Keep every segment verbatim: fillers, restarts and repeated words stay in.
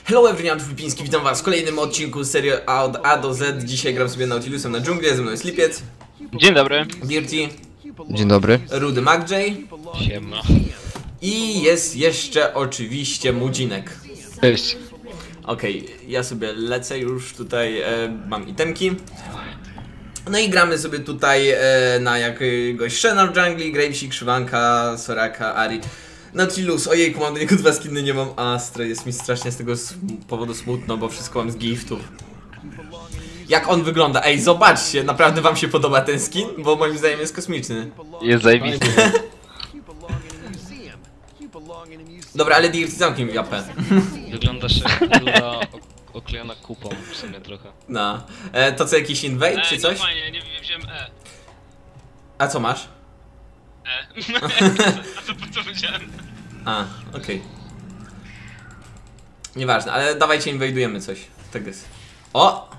Hello everyone, Filipiński, witam was w kolejnym odcinku z serii od A do Z. Dzisiaj gram sobie Nautilusem na dżunglę, ze mną jest Lipiec. Dzień dobry. Dirty. Dzień dobry. Rudy MacJ. Siema. I jest jeszcze oczywiście Mudzinek. Cześć. Okej, okay, ja sobie lecę już tutaj, e, mam itemki. No i gramy sobie tutaj e, na jakiegoś Shena w dżungli, Gravesy, Krzywanka, Soraka, Ari. Nautilus, ojejku, mam do niego dwa skiny, nie mam Astra, jest mi strasznie z tego powodu smutno, bo wszystko mam z giftów. Jak on wygląda? Ej, zobaczcie, naprawdę wam się podoba ten skin? Bo moim zdaniem jest kosmiczny. Jest zajebisty. Dobra, ale Dirty, zamknij mi japę. Wyglądasz jak kula oklejona kupą w sumie trochę. No, e, to co, jakiś invade czy coś? Nie, fajnie, nie wziąłem E. A co masz? E. A co po co powiedziałem? A, okej. Okay. Nieważne, ale dawajcie inwajdujemy coś. Tak jest. O!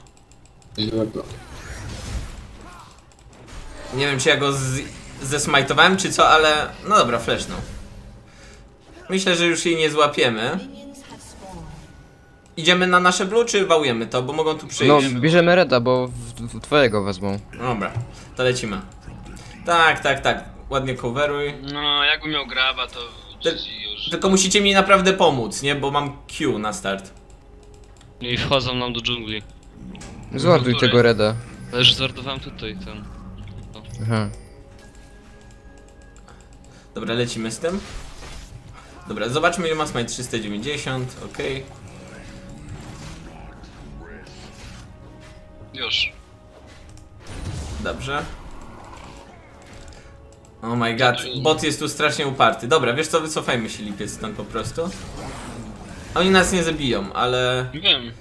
Nie wiem, czy ja go z zesmajtowałem, czy co, ale... No dobra, flash no. Myślę, że już jej nie złapiemy. Idziemy na nasze blue, czy wałujemy to, bo mogą tu przyjść? No, bierzemy Reda, bo w, w twojego wezmą. Dobra, to lecimy. Tak, tak, tak. Ładnie coveruj. No, jakbym miał graba, to Ty już... Tylko musicie mi naprawdę pomóc, nie? Bo mam Q na start. I wchodzą nam do dżungli. Zładuj tego Reda. Ale już zordowałem tutaj ten. No. Aha. Dobra, lecimy z tym. Dobra, zobaczmy ile ma smite, trzysta dziewięćdziesiąt, okej. Okay. Już. Dobrze. Oh my god, bot jest tu strasznie uparty. Dobra, wiesz co, wycofajmy się Lipiec stąd po prostu. Oni nas nie zabiją, ale... Wiem.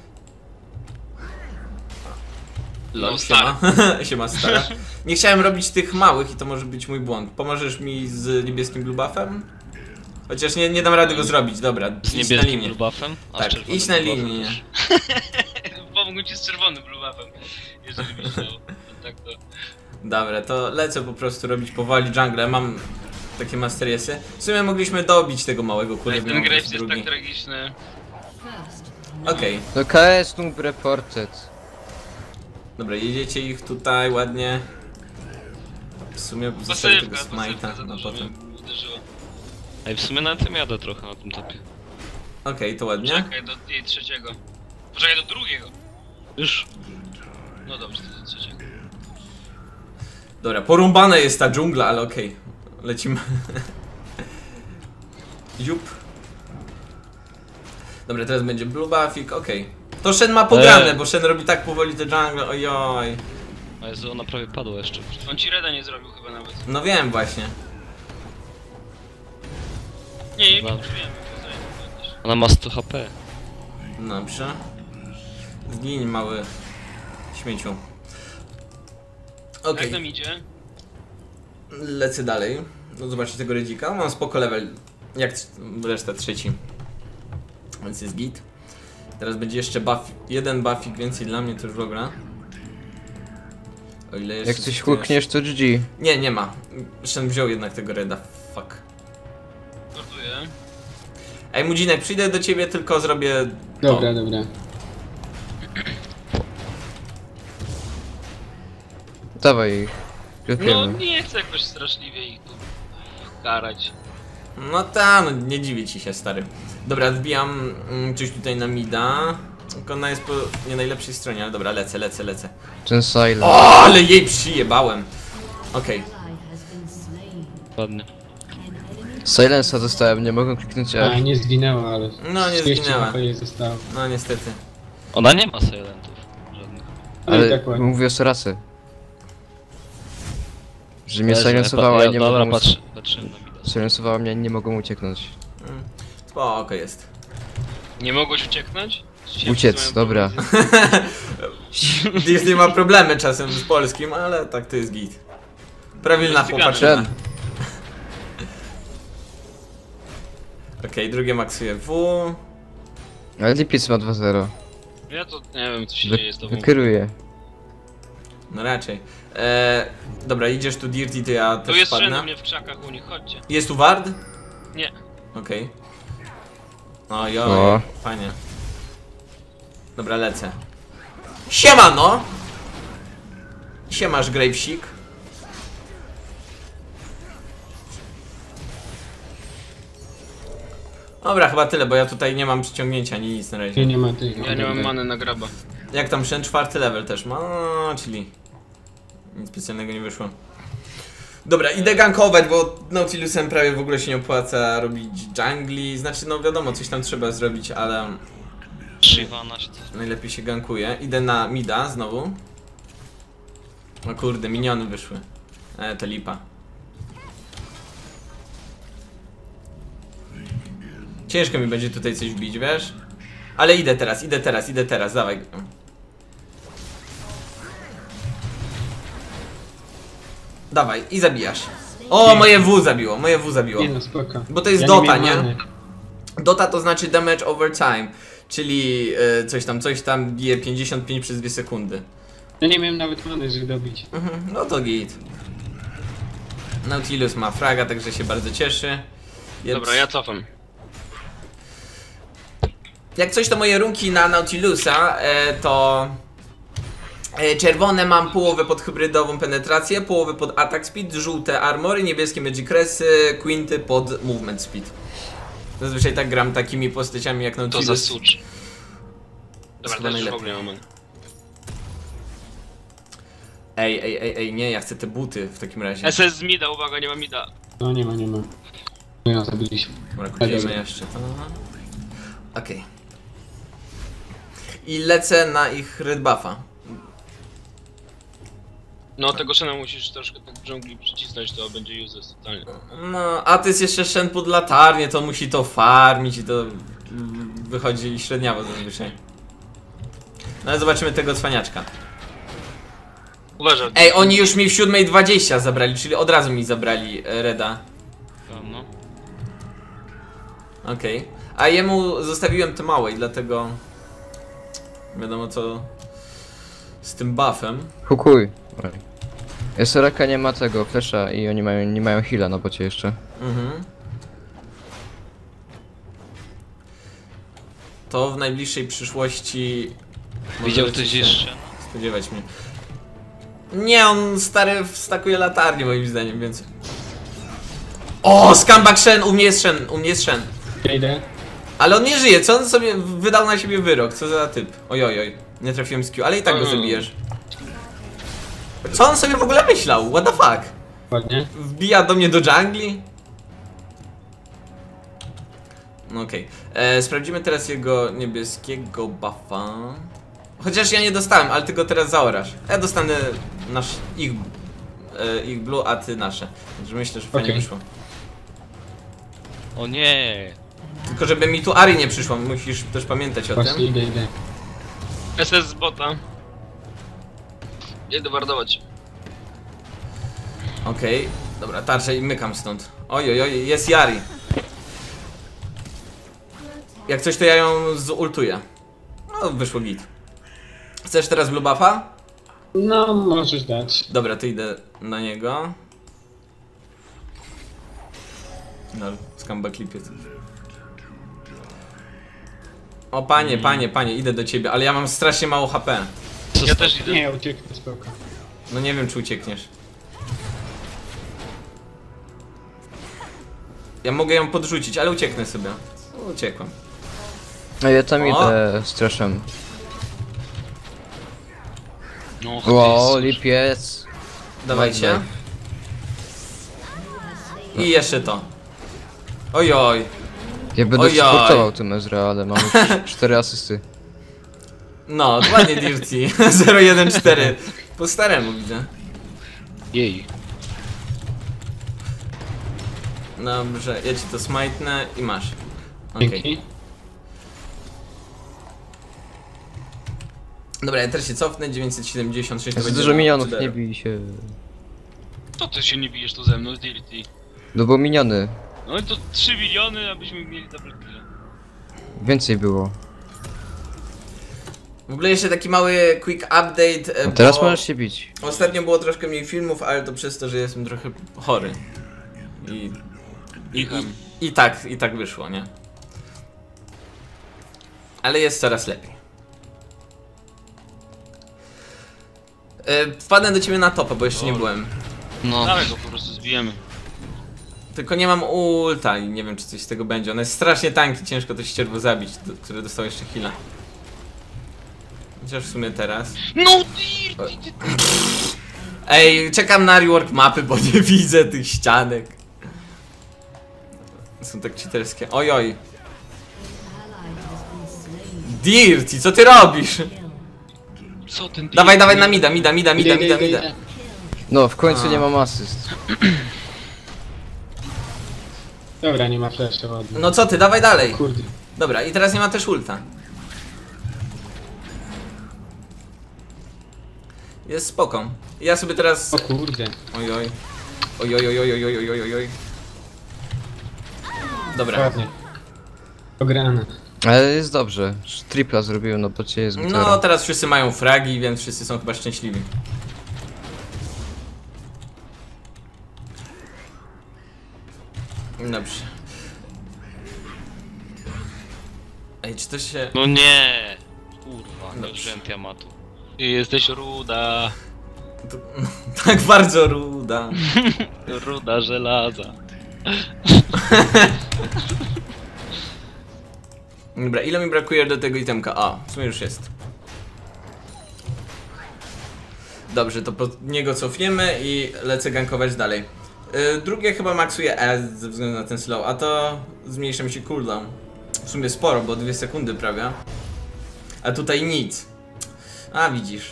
Lol, No, siema. Siema stara. Nie chciałem robić tych małych i to może być mój błąd. Pomożesz mi z niebieskim blue buffem? Chociaż nie, nie dam rady go zrobić, dobra. Z Idź na niebieskim linię. blue buffem? A Tak, z czerwonym idź na blue buffem linię. też. Pomógł ci z czerwonym blue buffem. Jeżeli byś chciał. Tak to... Dobra, to lecę po prostu robić powoli jungle. Mam takie masteriesy. W sumie mogliśmy dobić tego małego Ej, kurde. ten Graves jest tak tragiczny. Okej, okay. To K S noob reported. Dobra, jedziecie ich tutaj ładnie. W sumie zostawię tego Pasywka, smite'a pasywka za na dużo potem. mnie uderzyło. Ej, w sumie na tym jadę trochę na tym topie. Okej, okay, to ładnie. Czekaj do jej trzeciego. Poczekaj do drugiego. Już. No dobrze, to do trzeciego. Dobra, porąbana jest ta dżungla, ale okej. Okay. Lecimy. Jup. Dobra, teraz będzie blue buffik, okej. Okay. To Shen ma pograne, eee. bo Shen robi tak powoli te jungle, ojoj. A Jezu, ona prawie padła jeszcze. On ci reda nie zrobił chyba nawet. No wiem właśnie. Nie, nie, No. wiem, wiem. Ona ma sto H P. Dobrze. Zgiń mały śmieciu. Okej. Jak nam idzie? Lecę dalej. No zobaczcie tego redzika. Mam spoko level. Jak reszta trzeci. Więc jest git. Teraz będzie jeszcze buff. Jeden buffik więcej dla mnie to już w ogóle. O ile jeszcze. Jak coś hukniesz, to G G. Nie, nie ma. Shen wziął jednak tego reda. Fuck. Sortuję. Ej Mudzinek, przyjdę do ciebie, tylko zrobię. Dobra, to. dobra. Dawaj ich. No Klepiemy. nie chcę jakoś straszliwie ich tu karać. No ta, no nie dziwię ci się stary. Dobra, wbijam mm, coś tutaj na mida. Tylko ona jest po nie najlepszej stronie, ale dobra, lecę, lecę, lecę. Ten silent. O, ale jej przyjebałem. Okej. Ładnie. Silensa dostałem, nie mogę kliknąć A, R. nie zginęła, ale... No, nie trzydzieści zginęła. H P jej zostało. No niestety. Ona nie ma silentów. Żadnych. Ale Ale tak ładnie. mówię o Sorasy. Że mnie Leży, silensowała ja, i nie dobra, mogą... patrz, patrzyłem na mida. Silensowała mnie i nie mogą ucieknąć. Mm, spoko jest. Nie mogłeś ucieknąć? Się Uciec, wszyscy dobra. mają problemy Disney ma problemy czasem z polskim, ale tak to jest git. Prawilna Jest chłopaczyna. Shen. Okej, okay, drugie maksuje W. Ale Lipiec ma dwa zero. z- Ja to nie wiem co się Wy dzieje z tobą. wykieruje. No raczej. Eee, dobra, idziesz tu Dirty, to ja Tu też jest Shen u spadnę. mnie w krzakach u nich, chodźcie. Jest tu Ward? Nie. Okej. Okay. Ojoj, O. fajnie. Dobra, lecę. Siemano! Siemasz, Gravesik. Dobra, chyba tyle, bo ja tutaj nie mam przyciągnięcia ani nic na razie. Nie, nie ma tych. Ja nie mam many na graba. Jak tam Shen czwarty level też ma, no, czyli nic specjalnego nie wyszło. Dobra, idę gankować, bo Nautilusem prawie w ogóle się nie opłaca robić jungli. Znaczy, no wiadomo, coś tam trzeba zrobić, ale Shyvana się coś... najlepiej się gankuje. Idę na mida znowu. O kurde, miniony wyszły. E, to lipa. Ciężko mi będzie tutaj coś wbić, wiesz? Ale idę teraz, idę teraz, idę teraz, dawaj. Dawaj, i zabijasz. O, moje W zabiło, moje W zabiło. Nie no, spoko. Bo to jest Ja Dota, miałem nie? many. Dota to znaczy damage over time, czyli e, coś tam, coś tam bije pięćdziesiąt pięć przez dwie sekundy. Ja nie miałem nawet many, żeby dobić. Mhm, no to git. Nautilus ma fraga, także się bardzo cieszy. Więc Dobra, ja cofam. jak coś to moje runki na Nautilusa, e, to e, czerwone mam połowę pod hybrydową penetrację, połowę pod attack speed, żółte armory, niebieskie magic resy, quinty pod movement speed. Zazwyczaj tak gram takimi postaciami jak To Nautilus. za sucz. Dobra, Chyba to już w najlepiej. ogóle nie mam many. Ej, ej, ej, ej, nie, ja chcę te buty w takim razie. S S z mida, uwaga, nie ma mida. No nie ma, nie ma. No ja zabiliśmy. Dobra, kupimy jeszcze to. Okej. I lecę na ich red buffa. No tego Shena musisz troszkę tak w dżungli przycisnąć, to będzie useless totalnie. No, a to jest jeszcze Shen pod latarnię, to musi to farmić i to mm, wychodzi średniawo zazwyczaj. No ale zobaczymy tego cwaniaczka. Uważaj. Ej, oni już mi w siódmej dwadzieścia zabrali, czyli od razu mi zabrali e, reda. No. Okej. A jemu zostawiłem te małe i dlatego wiadomo co z tym buffem. Hukuj. Soraka nie ma tego flesza i oni mają, nie mają heala na bocie jeszcze. Mhm. To w najbliższej przyszłości Widział możecie ktoś się jeszcze? spodziewać mnie. Nie, on stary wstakuje latarnię moim zdaniem, więc... O, scumbag Shen, u mnie jest Shen, u mnie jest Shen. Ja idę. Ale on nie żyje, co on sobie wydał na siebie wyrok, co za typ. Oj, oj, oj, nie trafiłem z Q, ale i tak go Mm. zabijesz. Co on sobie w ogóle myślał? What the fuck? Ładnie. Wbija do mnie do dżungli? No okej. Okay. Sprawdzimy teraz jego niebieskiego buffa. Chociaż ja nie dostałem, ale ty go teraz zaorasz. Ja dostanę nasz, ich, e, ich blue, a ty nasze. Także myślę, że fajnie Okej. wyszło. O nie! Tylko żeby mi tu Ari nie przyszło, musisz też pamiętać o Właśnie tym. idę, idę. S S z bota. Jedę wardować. Okej, okay. Dobra, tarczę i mykam stąd. Oj, oj, oj, jest Yari. Jak coś to ja ją zultuję. No, wyszło git. Chcesz teraz blue buffa? No, możesz dać. Dobra, to idę na niego. No, skamba klipiec. O panie, panie, panie, idę do ciebie, ale ja mam strasznie mało H P. Ja też idę. Nie, ucieknę, spoko. No nie wiem, czy uciekniesz. Ja mogę ją podrzucić, ale ucieknę sobie. Uciekłem. No ja tam O! idę z traszem. No, Wow, Jezus. lipiec. Dawajcie. I jeszcze to. Ojoj. Ja będę Ojoj. supportował tym Ezra, ale mam już cztery asysty. No, ładnie Dirty. zero jeden cztery. Po staremu widzę. Jej. Dobrze, ja ci to smajtnę i masz. Okej. Dzięki. Dobra, ja też się cofnę. dziewięćset siedemdziesiąt sześć to Jest będzie dużo na minionów, Tudero. nie bij się. To ty się nie bijesz tu ze mną, Dirty. No bo miniony. No i to trzy miliony, abyśmy mieli double kill. Więcej było. W ogóle jeszcze taki mały quick update. e, No teraz bo możesz się bić. Ostatnio było troszkę mniej filmów, ale to przez to, że jestem trochę chory. I... I, i, i tak, i tak wyszło, nie? Ale jest coraz lepiej. E, wpadnę do ciebie na topa, bo jeszcze nie byłem. No, Dawaj go po prostu zbijemy. Tylko nie mam ulta i nie wiem, czy coś z tego będzie. Ono jest strasznie tanki, ciężko to ścierwo zabić, do, które dostało jeszcze heala. Chociaż w sumie teraz. No dear! ty- ty- Ej, czekam na rework mapy, bo nie widzę tych ścianek. Są tak cheaterskie. Oj, oj. Dirty, co ty robisz? co ten Dawaj, dawaj na mida, mida, mida, mida, mida, mida. No, w końcu A. nie mam asyst. Dobra, nie ma flasha, ładnie. No co ty, dawaj dalej. Kurde. Dobra, i teraz nie ma też ulta. Jest spoko. Ja sobie teraz... O kurde. Oj, oj. Oj, oj, oj, oj, oj, oj, oj, oj, oj. Dobra. Ładnie. Ograne. Ale jest dobrze. Tripla zrobiłem, no bo cię jest No, gitara. teraz wszyscy mają fragi, więc wszyscy są chyba szczęśliwi. Dobrze. Ej, czy to się... No nie! Kurwa, nie Dobrze. użyłem Tiamatu. Ty jesteś ruda. To, no, tak bardzo ruda. Ruda żelaza. Dobra, ile mi brakuje do tego itemka? A, w sumie już jest. Dobrze, to pod niego cofniemy i lecę gankować dalej. Yy, drugie chyba maksuje E ze względu na ten slow, a to zmniejsza mi się cooldown. W sumie sporo, bo dwie sekundy prawie. A tutaj nic. A, widzisz.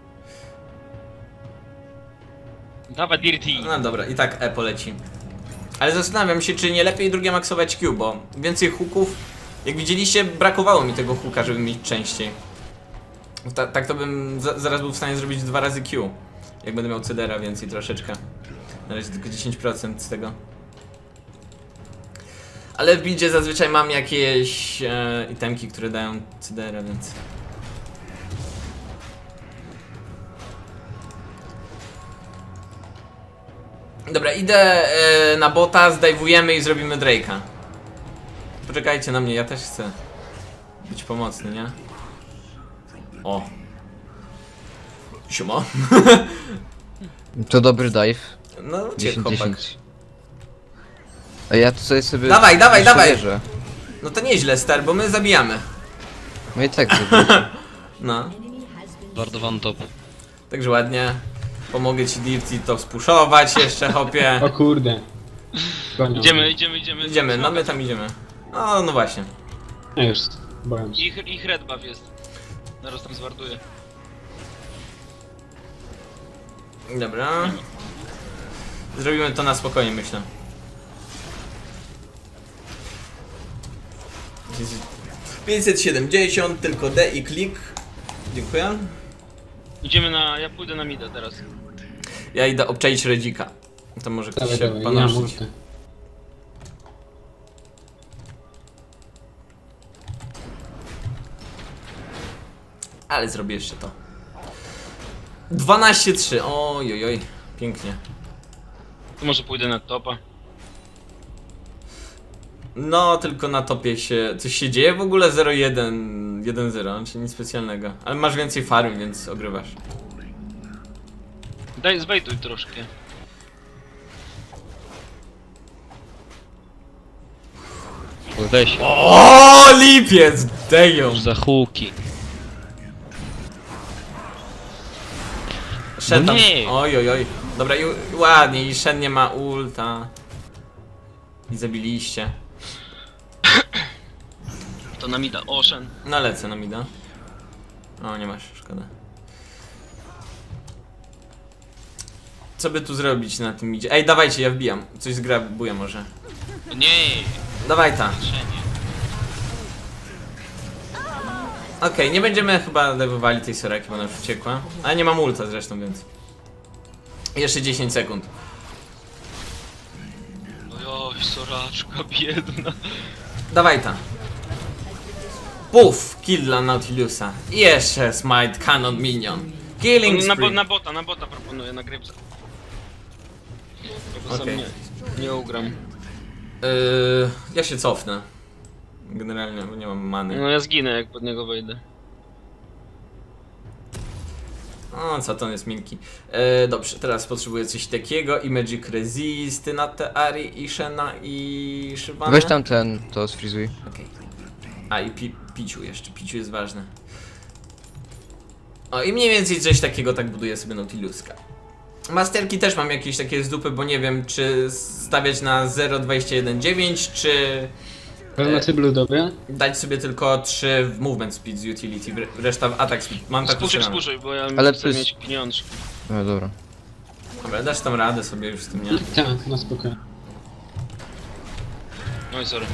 Dawaj Dirty. No dobra, i tak E poleci. Ale zastanawiam się, czy nie lepiej drugie maksować Q, bo więcej hooków. Jak widzieliście, brakowało mi tego hooka, żeby mieć częściej. Ta, tak to bym za, zaraz był w stanie zrobić dwa razy Q. Jak będę miał C D R a więcej troszeczkę. Na razie tylko dziesięć procent z tego. Ale w buildzie zazwyczaj mam jakieś e, itemki, które dają C D R a, więc... Dobra, idę e, na bota, zdajwujemy i zrobimy Drake'a. Poczekajcie na mnie, ja też chcę być pomocny, nie? O. Siema. To dobry dive. No, cię dziesięć chłopak. dziesięć. A ja tutaj sobie... Dawaj, dawaj, jeszcze dawaj. wierzę. No to nieźle, star, bo my zabijamy. No i tak zrobię. No, Wardowany top. także ładnie. Pomogę ci Dirty to spuszować jeszcze, hopie. O kurde. Gonią. Idziemy, idziemy, idziemy. Idziemy, no my tam idziemy. No, no właśnie. No już, boję się. Ich, ich red buff jest. Zaraz tam zwarduję. Dobra. Zrobimy to na spokojnie, myślę. pięćset siedemdziesiąt, tylko D i klik. Dziękuję. Idziemy na... ja pójdę na mida teraz. Ja idę obczaić Redzika. To może ktoś Dawaj, się dawaj, nie mam panoszyć. ulty. Ale zrobię jeszcze to. dwanaście trzy. Oj, oj, oj. Pięknie. To może pójdę na topa. No, tylko na topie się... coś się dzieje w ogóle? zero jeden, jeden zero, czyli nic specjalnego. Ale masz więcej farm, więc ogrywasz. Daj, zwejtuj troszkę. Weź. O, lipiec! Deją! Już za huki. Shen No tam... nie. Oj, oj, oj. Dobra, i ładnie, i Shen nie ma ulta. I zabiliście. To na mida. Ocean. No lecę na mida. O, nie masz, szkoda. Co by tu zrobić na tym midzie? Ej, dawajcie, ja wbijam. Coś zgrabuję może. Nie. Dawaj ta. Trzenie. Okej, okay, nie będziemy chyba dewowali tej Soraki, bo ona już uciekła. Ale nie mam ulta zresztą, więc... Jeszcze dziesięć sekund. Ojoj, soraczka biedna. Dawaj ta. Puf! Kill dla Nautilusa. I jeszcze Smite Cannon Minion. Killing Na, bo, spree. na bota, na bota proponuję, na grybce. Ja go sam Okej. nie, nie ugram. Yy, ja się cofnę. Generalnie, bo nie mam many. No ja zginę jak pod niego wejdę. O, co to jest Milki. E, dobrze, teraz potrzebuję coś takiego i Magic Resisty na te Ari i Shena i Shyvanę. Weź tam ten, to sfrizuj. Okej. A i pi piciu jeszcze, piciu jest ważne. O i mniej więcej coś takiego tak buduję sobie Nautiluska. Masterki też mam jakieś takie z dupy, bo nie wiem czy stawiać na zero przecinek dwadzieścia jeden dziewięć, czy Pełnocy blue dobre? dać sobie tylko trzy w movement speed z utility, reszta w attack speed. Mam tak Spuszczaj, ustawione. spuszczaj, bo ja Ale chcę pys- mieć pieniążki. No dobra. Dobra, dasz tam radę sobie już z tym, nie? Tak, na spokojnie. Oj, sorry.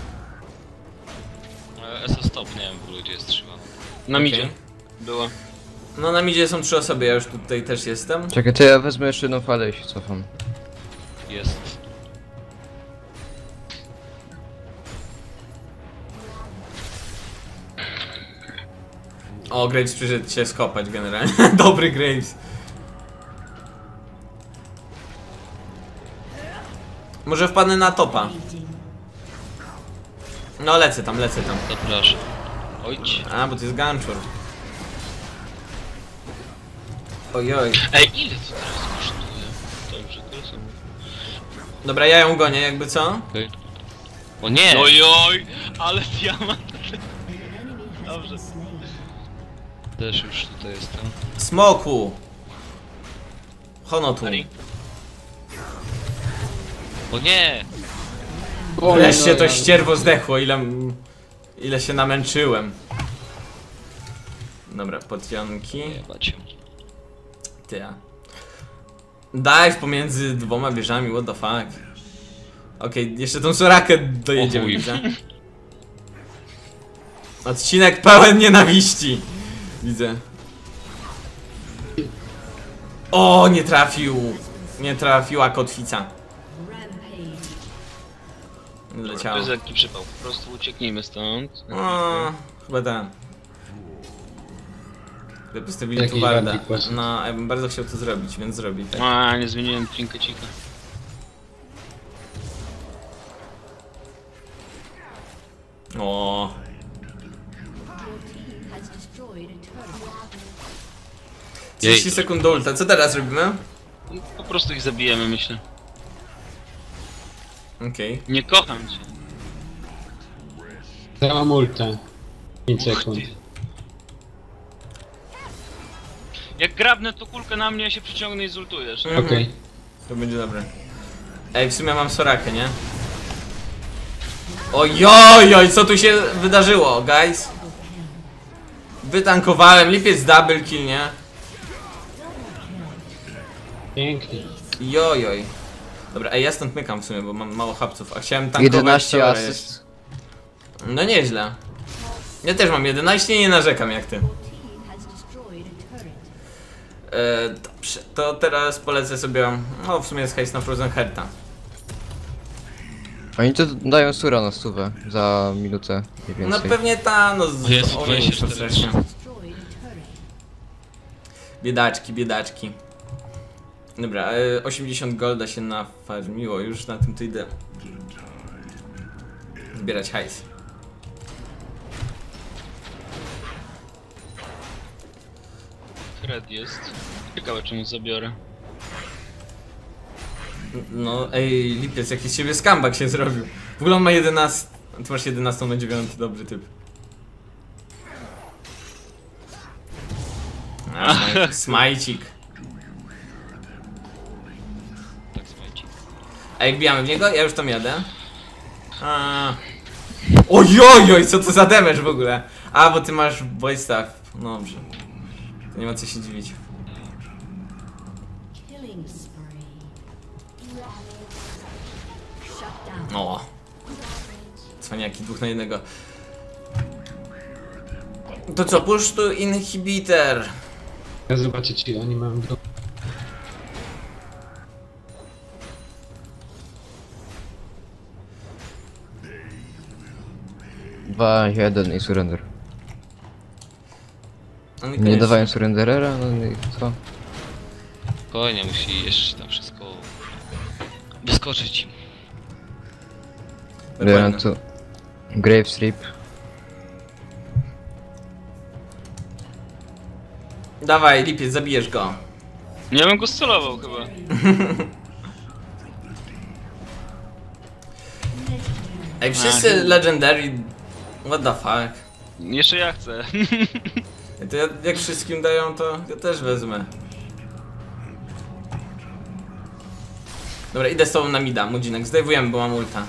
E, S O stop, nie wiem w ogóle gdzie jest Shyvana. Na Okej. midzie. Była. No na midzie są trzy osoby, ja już tutaj też jestem. Czekaj, to ja wezmę jeszcze jedną falę i się cofam. Jest. O, Graves przyszedł się skopać generalnie. Dobry Graves. Może wpadnę na topa. No lecę tam, lecę tam. Zapraszam. Ojć. A, bo to jest Ganchur. Ojoj. Ej, ile to teraz kosztuje? Dobrze, to są. Dobra, ja ją gonię, jakby co? Okej. O nie! Ojoj, ale diamant. Dobrze. Też już tutaj jestem. Smoku! Honotu. Ari. O nie! O, Wreszcie no, to ja- ścierwo zdechło, ile... Ile się namęczyłem. Dobra, potionki. Jebać się. Ty. a. Dive pomiędzy dwoma wieżami, what the fuck. Okej, jeszcze tą Sorakę dojedziemy, O chuj. widzę. Odcinek pełen nienawiści. Widzę. O, nie trafił. Nie trafiła kotwica. Leciało. To jest lekki przypał. Po prostu ucieknijmy stąd. O, chyba ten. Gdyby postawili Jakiś tu Warda. radnik właśnie. No, ja bym bardzo chciał to zrobić, więc zrobi. Tak. A, nie zmieniłem trinkecika. O, trzydzieści Jej. sekund do ulta. Co teraz robimy? Po prostu ich zabijemy, myślę. Okej. Nie kocham cię. Dałam ultę. pięć sekund. Jak grabnę to kulkę na mnie, ja się przyciągnę i zultujesz. Mhm. Okej. To będzie dobre. Ej, w sumie mam Sorakę, nie? Ojoj, co tu się wydarzyło, guys? Wytankowałem, lipiec double kill, nie? Pięknie. Jojoj. Dobra, ej, ja stąd mykam w sumie, bo mam mało hapców, a chciałem tankować jedenaście Sorę asyst. jeszcze. No nieźle. Ja też mam jedenaście i nie narzekam jak ty. E, dobrze, to teraz polecę sobie, no w sumie jest hejs na Frozen Herta. Oni to dają sura na stówę za minutę mniej No więcej. pewnie ta, no z... O Jezu, o, dwadzieścia nie, cztery. strasznie. Biedaczki, biedaczki. Dobra, e, osiemdziesiąt golda się nafarmiło, już na tym to idę. Zbierać hajs. Fred jest. Ciekawe czemu zabiorę. No ej, lipiec, jakiś z siebie skambak się zrobił. W ogóle on ma jedenaście, ty masz jedenaście na dziewięć, dobry typ. A, smaj- smajcik. Tak, słuchajcie. A jak bijamy w niego? Ja już tam jadę. A. Ojojoj, co to za damage w ogóle? A, bo ty masz boy staff. No dobrze. To nie ma co się dziwić. O. Cwaniaki, dwóch na jednego. To co, push tu inhibitor. Ja zobaczę ci, oni mają do... dwa jeden i surrender. No Nie niekoniecznie. dawają surrenderera? No i co? Spokojnie, musi jeszcze tam wszystko wyskoczyć im. Biorę tu Grave Sleep. Dawaj, lipiec, zabijesz go. Ja bym go scelował chyba. Ej, wszyscy Legendary... What the fuck? Jeszcze ja chcę. To ja, jak wszystkim dają, to ja też wezmę. Dobra, idę z tobą na mida, Mudzinek, zdejmujemy, bo mam ulta.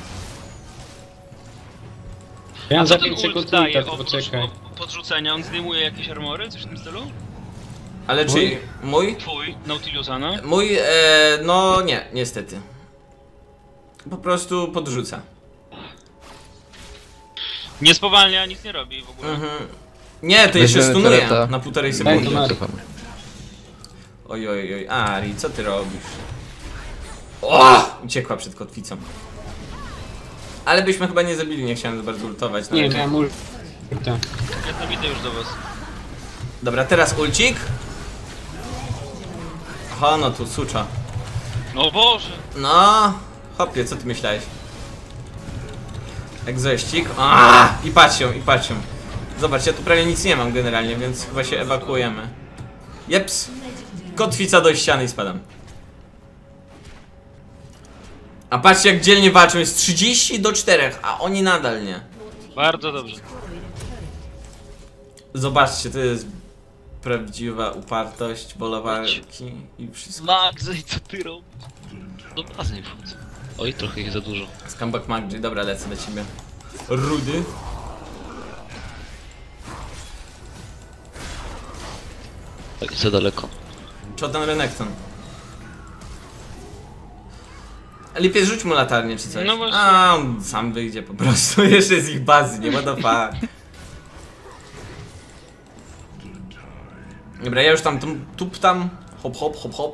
Ja mam Co za ten pięć ult sekund daje ulta, to oprócz poczekaj. o- podrzucenia? On zdejmuje jakieś armory? Coś w tym stylu? Ale czy mój? Twój, Nautilusana? Mój, e, no nie, niestety. Po prostu podrzuca. Nie spowalnia, nic nie robi w ogóle. Mhm. Nie, to jeszcze Weźmiemy stunuje tureta. na półtorej Daj sekundy. to Mary. Cofam. Oj, oj, oj, Ari, co ty robisz? O! Uciekła przed kotwicą. Ale byśmy chyba nie zabili, nie chciałem za bardzo ultować. na Nie, razie. miałem ulta. Ja tam idę już do was. Dobra, teraz ulcik. Aha, no tu sucza. O Boże! No, hopie, co ty myślałeś? Egzościk. A, i patrzą, i patrzą. Zobacz, ja tu prawie nic nie mam generalnie, więc chyba się ewakuujemy. Jeps. Kotwica do ściany i spadam. A patrzcie, jak dzielnie walczą, jest trzydzieści do czterech, a oni nadal nie. Bardzo dobrze. Zobaczcie, to jest prawdziwa upartość, wola walki i wszystko. Max, i co ty robisz? Do bazy nie wchodzę. Oj, trochę ich za dużo. Scumbag Maggi, dobra, lecę do ciebie. Rudy. Oj, za daleko. Chodan Renekton. Lipiec, rzuć mu latarnię czy coś. No właśnie. A, on sam wyjdzie po prostu, jeszcze z ich bazy, nie ma do fa. Dobra, ja już tam tum- tup tam, hop hop hop hop.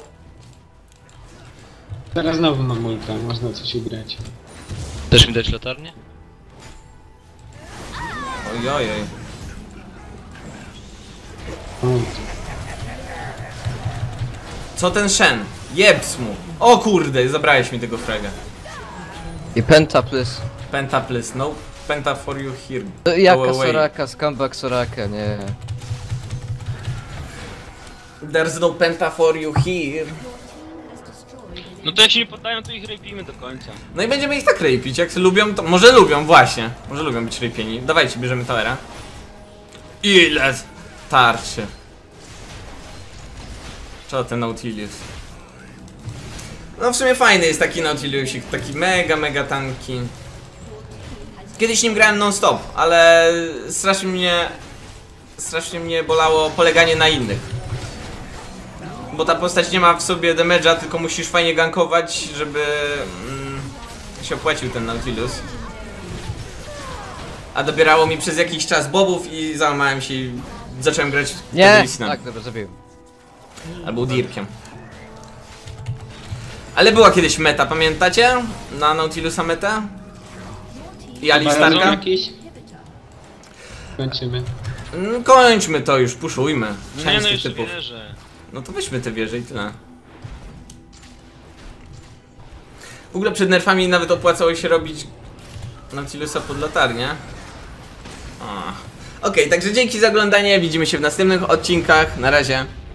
Teraz znowu mam ulta, można coś ugrać. Chcesz mi dać latarnię? Oj, oj, oj. Ult. Co ten Shen? Jebs mu. O kurde, zabrałeś mi tego fraga. I penta plus. Penta please, no. Penta for you here. To Go Jaka away. Soraka, scumbag Soraka, nie. There's no penta for you here. No to jak się nie poddają, to ich rapimy do końca. No i będziemy ich tak rapić, jak lubią, to może lubią, właśnie. Może lubią być rapieni. Dawajcie, bierzemy towera. Ile tarczy. Co ten Nautilus? No w sumie fajny jest taki Nautilusik, taki mega, mega tanki. Kiedyś nim grałem non stop, ale strasznie mnie... Strasznie mnie bolało poleganie na innych. Bo ta postać nie ma w sobie damage'a, tylko musisz fajnie gankować, żeby mm, się opłacił ten Nautilus. A dobierało mi przez jakiś czas bobów i załamałem się i zacząłem grać Nie! Lisina. Tak, dobra, zabiłem. Albo Dirkiem. Ale była kiedyś meta, pamiętacie? Na Nautilusa meta? I Barazon Alistarka? jakiś? Kończymy. Mm, Kończmy to już, puszujmy. No Część nie, no tych jeszcze typów. wierzę. No to weźmy te wieże i tyle. W ogóle przed nerfami nawet opłacało się robić Nautilusa pod latarnię. O. Okej, także dzięki za oglądanie, widzimy się w następnych odcinkach, na razie.